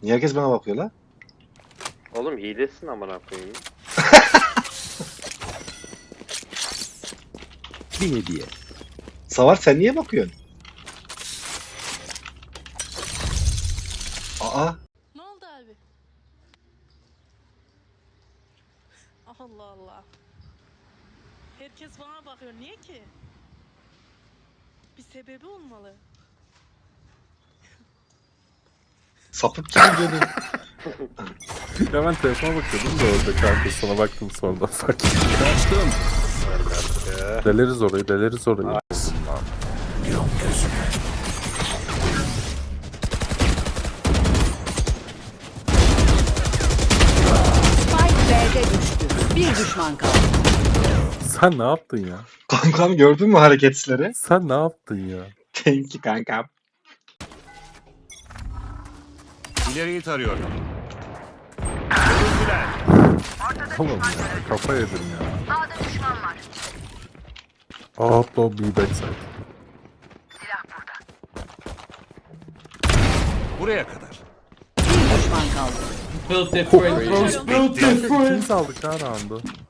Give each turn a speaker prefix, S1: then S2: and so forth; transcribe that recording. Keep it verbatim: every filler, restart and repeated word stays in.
S1: Niye herkes bana bakıyor la?
S2: Oğlum hilesin amına koyayım.
S3: Bir hediye.
S1: Savar sen niye bakıyorsun? Aa.
S4: Ne oldu abi? Allah Allah. Herkes bana bakıyor. Niye ki? Bir sebebi olmalı.
S1: Sapık gibi dönüyor.
S5: Ya ben telefona bakıyordum da orada kanka sana baktım sonradan fark ettim.
S3: Kaçtım.
S5: Deleriz orayı, deleriz orayı.
S6: Spike B'de düştü. Bir düşman kaldı.
S5: Sen ne yaptın ya?
S1: Kankam gördün mü hareketleri?
S5: Sen ne yaptın ya?
S1: Thank you kankam.
S3: İleriyi tarıyorum.
S5: Oğlum ya kafa yedim ya. A'da düşman var. Ah low B backside.
S3: Buraya kadar.
S6: Bir düşman kaldı.
S7: Built different, bros. Built different.
S5: Biz aldık ha round'u.